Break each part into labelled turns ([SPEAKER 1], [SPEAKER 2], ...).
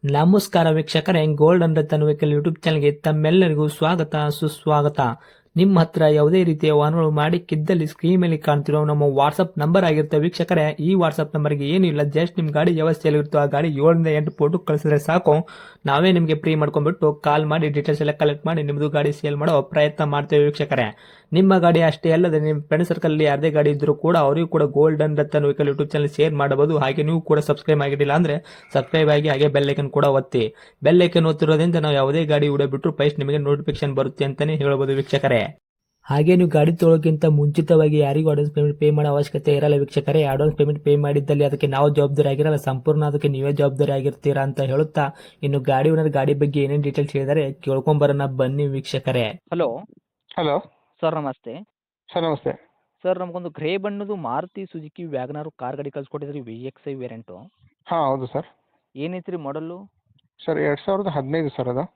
[SPEAKER 1] ನಮಸ್ಕಾರ ವೀಕ್ಷಕರೇ, gold and Ratan vehicle YouTube ಚಾನಲ್ಗೆ ತಮ್ಮೆಲ್ಲರಿಗೂ ಸ್ವಾಗತ ಸುಸ್ವಾಗತ. ನಿಮ್ಮ ಹತ್ರ ಯಾವುದೇ ರೀತಿಯ ವಾಹನಗಳು ಮಾಡಿಕ್ಕಿದ್ದಲ್ಲಿ ಸ್ಕ್ರೀನ್ ಮೇಲೆ ಕಾಣ್ತಿರೋ ನಮ್ಮ ವಾಟ್ಸ್ಆಪ್ ನಂಬರ್ ಆಗಿರುತ್ತೆ ವೀಕ್ಷಕರೇ. ಈ ವಾಟ್ಸ್ಆಪ್ ನಂಬರ್ಗೆ ಏನಿಲ್ಲ, ಜಸ್ಟ್ ನಿಮ್ಮ ಗಾಡಿ ವ್ಯವಸ್ಥೆಯಲ್ಲಿರುತ್ತೋ ಆ ಗಾಡಿ 7 ರಿಂದ 8 ಫೋಟೋ ಕಳಿಸಿದ್ರೆ ಸಾಕು, ನಾವೇ ನಿಮಗೆ ಫ್ರೀ ಮಾಡ್ಕೊಂಡ್ಬಿಟ್ಟು ಕಾಲ್ ಮಾಡಿ ಡೀಟೇಲ್ಸ್ ಎಲ್ಲ ಕಲೆಕ್ಟ್ ಮಾಡಿ ನಿಮ್ಮದು ಗಾಡಿ ಸೇಲ್ ಮಾಡೋ ಪ್ರಯತ್ನ ಮಾಡ್ತೇವೆ ವೀಕ್ಷಕರೇ. ನಿಮ್ಮ ಗಾಡಿ ಅಷ್ಟೇ ಅಲ್ಲದೆ ನಿಮ್ಮ ಫ್ರೆಂಡ್ ಸರ್ಕಲ್ ಅಲ್ಲಿ ಯಾರದೇ ಗಾಡಿ ಇದ್ರೂ ಕೂಡ ಅವರಿಗೂ ಕೂಡ gold and Ratan vehicle YouTube channel share ಮಾಡಬಹುದು. ಹಾಗೆ ನೀವು ಕೂಡ ಸಬ್ಸ್ಕ್ರೈಬ್ ಆಗಿರಲಿಲ್ಲ ಅಂದ್ರೆ ಸಬ್ಸ್ಕ್ರೈಬ್ ಆಗಿ ಹಾಗೆ ಬೆಲ್ ಐಕನ್ ಕೂಡ ಒತ್ತಿ. ಬೆಲ್ ಐಕನ್ ಒತ್ತಿರೋದ್ರಿಂದ ನಾವು ಯಾವುದೇ ಗಾಡಿ ವಿಡಿಯೋ ಬಿಟ್ಟರು ಫಸ್ಟ್ ನಿಮಗೆ ನೋಟಿಫಿಕೇಶನ್ ಬರುತ್ತೆ ಅಂತಾನೆ ಹೇಳ್ಬೋದು ವೀಕ್ಷಕರೇ. ಹಾಗೆ ನೀವು ಗಾಡಿ ತೊಳೋಕ್ಕಿಂತ ಮುಂಚಿತವಾಗಿ ಯಾರಿಗೂ ಅಡ್ವಾನ್ಸ್ ಪೇಮೆಂಟ್ ಪೇ ಮಾಡೋ ಅವಶ್ಯಕತೆ ಇರಲ್ಲ ವೀಕ್ಷಕರೇ. ಅಡ್ವಾನ್ಸ್ ಪೇಮೆಂಟ್ ಪೇ ಮಾಡಿದ್ದಲ್ಲಿ ಅದಕ್ಕೆ ನಾವು ಜವಾಬ್ದಾರಿ ಆಗಿರಲ್ಲ, ಸಂಪೂರ್ಣ ಅದಕ್ಕೆ ನೀವೇ ಜವಾಬ್ದಾರಿ ಆಗಿರ್ತೀರಾ ಅಂತ ಹೇಳುತ್ತಾ, ಇನ್ನು ಗಾಡಿ ಓನರ್ ಗಾಡಿ ಬಗ್ಗೆ ಏನೇನು ಡೀಟೇಲ್ಸ್ ಹೇಳಿದರೆ ಕೇಳ್ಕೊಂಬರೋಣ ಬನ್ನಿ ವೀಕ್ಷಕರೇ.
[SPEAKER 2] ಹಲೋ
[SPEAKER 3] ಹಲೋ
[SPEAKER 2] ಸರ್, ನಮಸ್ತೆ.
[SPEAKER 3] ಸರ್ ನಮಸ್ತೆ.
[SPEAKER 2] ಸರ್, ನಮಗೊಂದು ಗ್ರೇ ಬಣ್ಣದು ಮಾರುತಿ ಸುಜುಕಿ ವ್ಯಾಗನಾರು ಕಾರ್ ಗಾಡಿ ಕಳ್ಸಿಕೊಟ್ಟಿದ್ರಿ, VXI ವೇರಿಯಂಟು.
[SPEAKER 3] ಹಾಂ ಹೌದು ಸರ್.
[SPEAKER 2] ಏನೈತ್ರಿ ಮಾಡಲು?
[SPEAKER 3] ಸರ್ 2015 ಸರ್ ಅದು.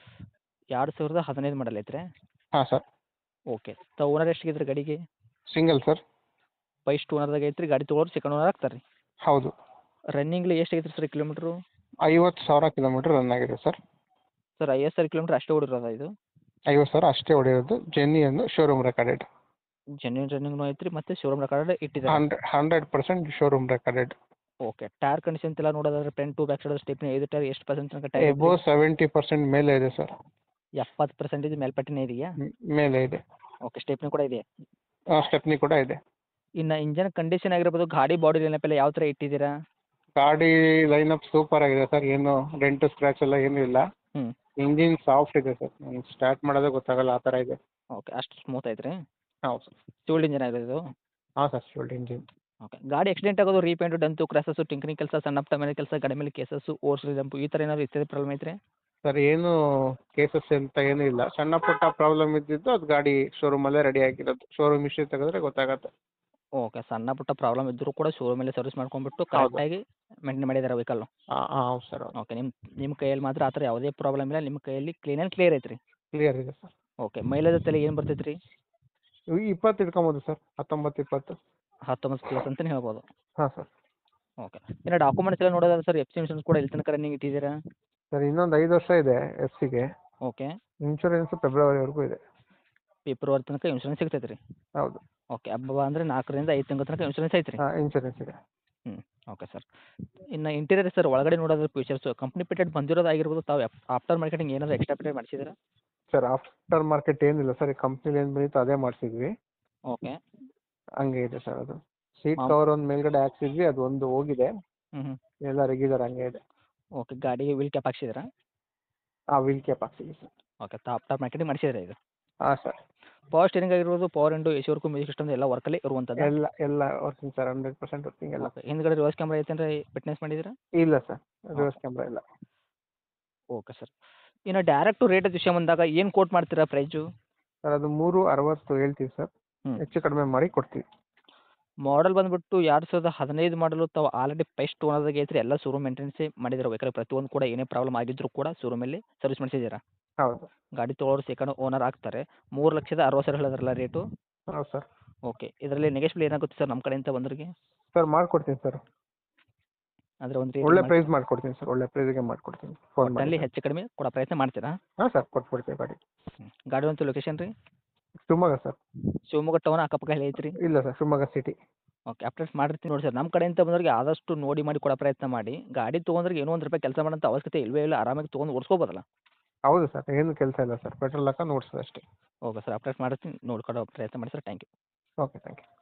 [SPEAKER 2] 2015 ಮಾಡಲ್ ಐತ್ರಿ?
[SPEAKER 3] ಹಾಂ ಸರ್.
[SPEAKER 2] ಓಕೆ. ಓನರ್ ಎಷ್ಟಿಗಿದ್ರಿ ಗಾಡಿಗೆ?
[SPEAKER 3] Single sir.
[SPEAKER 2] ಫಸ್ಟ್ ಓನರ್ದಾಗ ಐತ್ರಿ, ಗಾಡಿ ತೊಗೊಳೋರು ಸೆಕೆಂಡ್ ಓನರ್ ಆಗ್ತಾರೆ ರೀ?
[SPEAKER 3] ಹೌದು.
[SPEAKER 2] ರನ್ನಿಂಗ್ಲಿ ಎಷ್ಟಾಗೈತ್ರಿ ಸರ್ ಕಿಲೋಮೀಟ್ರು?
[SPEAKER 3] 50,000 ಕಿಲೋಮೀಟ್ರ್ ರನ್ ಆಗಿದೆ ಸರ್.
[SPEAKER 2] ಸರ್ 50,000 ಕಿಲೋಮೀಟ್ರ್ ಅಷ್ಟೇ ಓಡಿರೋದ ಇದು?
[SPEAKER 3] 50,000 ಅಷ್ಟೇ ಹೊಡೆಯೋದು. Genuine showroom recorded.
[SPEAKER 2] ಜೆನ್ಯೂನ್ ರನ್ನಿಂಗ್ನೂ ಐತ್ರಿ, ಮತ್ತು ಶೋರೂಮ್ ರೆಕಾರ್ಡ್ ಇಟ್ಟಿದ್ದಾರೆ?
[SPEAKER 3] 100% showroom recorded.
[SPEAKER 2] Okay. Tyre condition ಎಲ್ಲ ನೋಡೋದಾದ್ರೆ front to back side stepney 5 tyre ಎಷ್ಟು ಪರ್ಸೆಂಟ್ ತನಕ ಟೈರ್?
[SPEAKER 3] ಎಬೋ 70% ಮೇಲೆ ಇದೆ ಸರ್.
[SPEAKER 2] 70% ಮೇಲ್ಪಟ್ಟಿನೇ ಇದೆಯಾ?
[SPEAKER 3] ಮೇಲೆ ಇದೆ.
[SPEAKER 2] ಓಕೆ. ಸ್ಟೆಪ್ನಿ ಕೂಡ ಇದೆ?
[SPEAKER 3] ಸ್ಟೆಪ್ನಿ ಕೂಡ ಇದೆ.
[SPEAKER 2] ಇನ್ನು ಇಂಜನ್ ಕಂಡೀಷನ್ ಆಗಿರ್ಬೋದು, ಗಾಡಿ ಬಾಡಿ ಲೈನಪ್ ಎಲ್ಲ ಯಾವ ಥರ ಇಟ್ಟಿದ್ದೀರಾ?
[SPEAKER 3] ಗಾಡಿ ಲೈನಪ್ ಸೂಪರ್ ಆಗಿದೆ ಸರ್. ಏನು ಡೆಂಟು ಸ್ಕ್ರ್ಯಾಚ್ ಎಲ್ಲ ಏನೂ ಇಲ್ಲ.
[SPEAKER 2] ಹ್ಞೂ.
[SPEAKER 3] ಇಂಜಿನ್ ಸಾಫ್ಟ್ ಇದೆ ಸರ್. ಸ್ಟಾರ್ಟ್ ಮಾಡೋದೇ ಗೊತ್ತಾಗಲ್ಲ ಆ ಥರ ಇದೆ.
[SPEAKER 2] ಓಕೆ. ಅಷ್ಟು ಸ್ಮೂತ್ ಐತ್ರಿ?
[SPEAKER 3] ಹೌದು ಸರ್.
[SPEAKER 2] ಫ್ಯೂಲ್ಡ್ ಇಂಜನ್ ಆಗಿರೋದು ಇದು?
[SPEAKER 3] ಹಾಂ ಸರ್, ಶೋಲ್ಡ್ ಇಂಜಿನ್.
[SPEAKER 2] ಓಕೆ. ಗಾಡಿ ಆಕ್ಸಿಡೆಂಟ್ ಆಗೋದು, ರೀಪೇಂಟು, ಡಂತು, ಕ್ರ್ಯಾಸಸ್ಸು, ಟಿಂಕರಿಂಗ್ ಕೆಲಸ, ಸಣ್ಣ ಪುಟ್ಟ ಮನೆ ಕೆಲಸ, ಗಾಡಿ ಮೇಲೆ ಕೇಸಸ್ಸು, ಓರ್ಸ್ ಜಂಪು ಈ ಥರ ಏನಾದ್ರು ಇತ್ಯಾದಿ ಪ್ರಾಬ್ಲಮ್ ಐತ್ರಿ?
[SPEAKER 3] ಸರ್ ಏನು ಕೇಸಸ್ ಅಂತ ಏನೂ ಇಲ್ಲ. ಸಣ್ಣ ಪುಟ್ಟ ಪ್ರಾಬ್ಲಮ್ ಇದ್ದಿದ್ದು ಅದು ಗಾಡಿ ಶೋರೂಮಲ್ಲೇ ರೆಡಿ ಆಗಿರೋದು. ಶೋರೂಮ್ ಹಿಸ್ಟ್ರಿ ತೆಗೆದ್ರೆ ಗೊತ್ತಾಗತ್ತೆ.
[SPEAKER 2] ಓಕೆ. ಸಣ್ಣ ಪುಟ್ಟ ಪ್ರಾಬ್ಲಮ್ ಇದ್ದರೂ ಕೂಡ ಶೋರೂಮಲ್ಲೇ ಸರ್ವಿಸ್ ಮಾಡ್ಕೊಂಡ್ಬಿಟ್ಟು
[SPEAKER 3] ಹೌದು.
[SPEAKER 2] ಕರೆಕ್ಟಾಗಿ ಮೇಂಟೈನ್ ಮಾಡಿದ್ದಾರೆ ವೆಹಿಕಲ್ಲು?
[SPEAKER 3] ಹಾಂ ಹಾಂ ಹೌದು ಸರ್. ಹೌದು.
[SPEAKER 2] ಓಕೆ. ನಿಮ್ಮ ಕೈಯಲ್ಲಿ ಮಾತ್ರ ಆ ಥರ ಯಾವುದೇ ಪ್ರಾಬ್ಲಮ್ ಇಲ್ಲ, ನಿಮ್ಮ ಕೈಯಲ್ಲಿ ಕ್ಲೀನ್ ಆ್ಯಂಡ್ ಕ್ಲಿಯರ್ ಐತ್ರಿ?
[SPEAKER 3] ಕ್ಲಿಯರ್ ಇದೆ ಸರ್.
[SPEAKER 2] ಓಕೆ. ಮೈಲೇಜ್ ತಲೆ ಏನು ಬರ್ತೈತೆ ರೀ?
[SPEAKER 3] 20 ಇಟ್ಕೊಬೋದು ಸರ್. 19, 20.
[SPEAKER 2] 19 ಪ್ಲಸ್ ಅಂತಲೇ ಹೇಳ್ಬೋದು?
[SPEAKER 3] ಹಾಂ ಸರ್.
[SPEAKER 2] ಓಕೆ. ಇನ್ನು ಡಾಕ್ಯುಮೆಂಟ್ಸ್ ಎಲ್ಲ ನೋಡೋದಾದ್ರೆ ಸರ್, FC ಇನ್ಶೂರೆನ್ಸ್ ಕೂಡ ಎಲ್ಲಿ ತನಕ ರನ್ನಿಂಗ್ ಇಟ್ಟಿದ್ದೀರಾ?
[SPEAKER 3] ಸರ್ ಇನ್ನೊಂದು 5 ವರ್ಷ ಇದೆ FC ಗೆ.
[SPEAKER 2] ಓಕೆ.
[SPEAKER 3] ಇನ್ಶೂರೆನ್ಸ್ ಫೆಬ್ರವರಿವರೆಗೂ ಇದೆ.
[SPEAKER 2] ಫೆಬ್ರವರಿ ತನಕ ಇನ್ಶೂರೆನ್ಸ್ ಸಿಗ್ತೈತೆ ರೀ?
[SPEAKER 3] ಹೌದು.
[SPEAKER 2] ಓಕೆ. ಹಬ್ಬ ಅಂದರೆ 4 ರಿಂದ 5 ತಿಂಗಳ ತನಕ ಇನ್ಶೂರೆನ್ಸ್ ಐತ್ರಿ?
[SPEAKER 3] ಹಾಂ ಇನ್ಶೂರೆನ್ಸ್ ಇದೆ.
[SPEAKER 2] ಹ್ಞೂ. Okay sir. ಇನ್ನು ಇಂಟೀರಿಯರ್ ಸರ್, ಒಳಗಡೆ ನೋಡೋದ್ರ ಫೀಚರ್ಸು ಕಂಪ್ನಿ ಫಿಟೆಡ್ ಬಂದಿರೋದಾಗಿರ್ಬೋದು, ತಾವು ಆಫ್ಟರ್ ಮಾರ್ಕೆಟಿಂಗ್ ಏನಾದರೂ ಎಕ್ಸ್ಟ್ರಾ ಫಿಟೆಡ್ ಮಾಡಿಸಿದ್ದೀರಾ?
[SPEAKER 3] ಸರ್ ಆಫ್ಟರ್ ಮಾರ್ಕೆಟ್ ಏನಿಲ್ಲ ಸರ್. ಕಂಪ್ನಿಲಿ ಏನು ಬಂದಿತ್ತು ಅದೇ ಮಾಡಿಸಿದ್ವಿ.
[SPEAKER 2] ಓಕೆ.
[SPEAKER 3] ಹಂಗೆ ಇದೆ ಸರ್ ಅದು. ಸೀಟ್
[SPEAKER 2] ಮಾಮ್
[SPEAKER 3] ಕವರ್ ಒಂದು ಮೇಲ್ಗಡೆ ಹಾಕ್ಸಿದ್ವಿ, ಅದು ಒಂದು ಹೋಗಿದೆ.
[SPEAKER 2] ಹ್ಞೂ ಹ್ಞೂ.
[SPEAKER 3] ಎಲ್ಲ ರೆಗ್ಯುಲರ್ ಹಂಗೆ ಇದೆ.
[SPEAKER 2] ಓಕೆ. ಗಾಡಿಗೆ ವೀಲ್ ಕ್ಯಾಪ್ ಹಾಕ್ಸಿದ್ದೀರಾ?
[SPEAKER 3] ಆ ವೀಲ್ ಕ್ಯಾಪ್ ಹಾಕ್ಸಿದ್ವಿ ಸರ್.
[SPEAKER 2] ಓಕೆ. ಆಫ್ಟರ್ ಮಾರ್ಕೆಟಿಂಗ್ ಮಾಡಿಸಿದ್ರೆ ಇದು?
[SPEAKER 3] ಹಾಂ ಸರ್.
[SPEAKER 2] ಪವರ್ ಸ್ಟೇರಿಂಗ್ ಆಗಿರ್ಬೋದು, power window, AC work, music system ಎಲ್ಲ ವರ್ಕಲ್ಲಿ ಇರುವಂಥದ್ದು?
[SPEAKER 3] ಎಲ್ಲ ವರ್ಕಿಂಗ್ ಸರ್. 100% ವರ್ಕಿಂಗ್ ಎಲ್ಲ.
[SPEAKER 2] ಓಕೆ. ಹಿಂದ್ಗಡೆ ರಿವರ್ಸ್ ಕ್ಯಾಮ್ರಾ ಐತೇನ್ರಿ ಫಿಟ್ನೆಸ್ ಮಾಡಿದ್ದೀರಾ?
[SPEAKER 3] ಇಲ್ಲ ಸರ್, ರಿವರ್ಸ್ ಕ್ಯಾಮ್ರಾ ಇಲ್ಲ.
[SPEAKER 2] Okay sir. ಇನ್ನು ಡೈರೆಕ್ಟು ರೇಟ್ ವಿಷಯ ಬಂದಾಗ ಏನು ಕೋಟ್ ಮಾಡ್ತೀರಾ ಪ್ರೈಸು?
[SPEAKER 3] ಸರ್ ಅದು 360 ಹೇಳ್ತೀವಿ ಸರ್.
[SPEAKER 2] ಹ್ಞೂ.
[SPEAKER 3] ಹೆಚ್ಚು ಕಡಿಮೆ ಮಾಡಿ ಕೊಡ್ತೀವಿ.
[SPEAKER 2] ಮಾಡಲ್ ಬಂದುಬಿಟ್ಟು 2015 ಮಾಡಲು, ತಾವು ಆಲ್ರೆಡಿ ಫಸ್ಟ್ ಓನರ್ದಾಗ ಐತ್ರಿ, ಎಲ್ಲ ಶೋರೂಮ್ ಮೇಂಟೆನೆನ್ಸೇ ಮಾಡಿದ್ದೀರಾ ವೆಹಿಕಲ್? ಪ್ರತಿಯೊಂದು ಕೂಡ ಏನೇ ಪ್ರಾಬ್ಲಮ್ ಆಗಿದ್ದರೂ ಕೂಡ ಶೋರೂಮಲ್ಲಿ ಸರ್ವಿಸ್ ಮಾಡಿಸಿದ್ದೀರಾ?
[SPEAKER 3] ಹೌದು.
[SPEAKER 2] ಗಾಡಿ ತೊಗೊಳೋರು ಸೆಕೆಂಡ್ ಓನರ್ ಆಗ್ತಾರೆ. 3,60,000 ಹೇಳಿದ್ರಲ್ಲ ರೇಟು?
[SPEAKER 3] ಹೌದು ಸರ್.
[SPEAKER 2] ಓಕೆ. ಇದರಲ್ಲಿ ನೆಗೆಶ್ಬಲ್ ಏನಾಗುತ್ತೆ ಸರ್ ನಮ್ಮ ಕಡೆಯಿಂದ ಬಂದವ್ರಿಗೆ?
[SPEAKER 3] ಸರ್ ಮಾಡ್ಕೊಡ್ತೀನಿ ಸರ್.
[SPEAKER 2] ಅಂದರೆ ಒಂದು
[SPEAKER 3] ಒಳ್ಳೆ
[SPEAKER 2] ರೇಟ್
[SPEAKER 3] ಪ್ರೈಸ್ ಮಾಡ್ಕೊಡ್ತೀನಿ ಸರ್. ಒಳ್ಳೆ ಪ್ರೈಸ್ಗೆ ಮಾಡ್ಕೊಡ್ತೀನಿ. ಫೋನ್ ಮಾಡಿ.
[SPEAKER 2] ಒಟ್ಟಲ್ಲಿ ಹೆಚ್ಚು ಕಡಿಮೆ ಕೊಡೋ ಪ್ರಯತ್ನ ಮಾಡ್ತೀರಾ?
[SPEAKER 3] ಹಾಂ ಸರ್, ಕೊಟ್ಬಿಡ್ತೀವಿ ಗಾಡಿ.
[SPEAKER 2] ಗಾಡಿ ಒಂದು ಲೊಕೇಶನ್ ರೀ?
[SPEAKER 3] ಶಿವಮೊಗ್ಗ ಸರ್.
[SPEAKER 2] ಶಿವಮೊಗ್ಗ ಟೌನ್ ಅಕ್ಕಪಕ್ಕ ಎಲ್ಲಿ ಐತ್ರಿ?
[SPEAKER 3] ಇಲ್ಲ sir, Shivamogga city.
[SPEAKER 2] Okay. Update ಮಾಡಿರ್ತೀನಿ ನೋಡಿ ಸರ್. ನಮ್ಮ ಕಡೆಯಿಂದ ಬಂದವ್ರಿಗೆ ಆದಷ್ಟು ನೋಡಿ ಮಾಡಿ ಕೊಡೋ ಪ್ರಯತ್ನ ಮಾಡಿ. ಗಾಡಿ ತೊಗೊಂಡ್ರಿಗೆ ಏನೋ ಒಂದು ರೂಪಾಯಿ ಕೆಲಸ ಮಾಡೋಂಥ ಅವಶ್ಯಕತೆ ಇಲ್ಲವೇ ಇಲ್ಲ, ಆರಾಮಾಗಿ ತೊಗೊಂಡು ಓಡಿಸ್ಕೋಬೋದಲ್ಲ?
[SPEAKER 3] ಹೌದು ಸರ್, ಏನು ಕೆಲಸ ಇಲ್ಲ ಸರ್. ಪೆಟ್ರೋಲ್ ಹಾಕೊಂಡು ಓಡಿಸೋದು ಅಷ್ಟೇ.
[SPEAKER 2] Okay sir. ಅಪ್ಡೇಟ್ ಮಾಡಿರ್ತೀನಿ, ನೋಡ್ಕೊಡೋ ಪ್ರಯತ್ನ ಮಾಡಿ sir. Thank you.
[SPEAKER 3] Okay, thank you.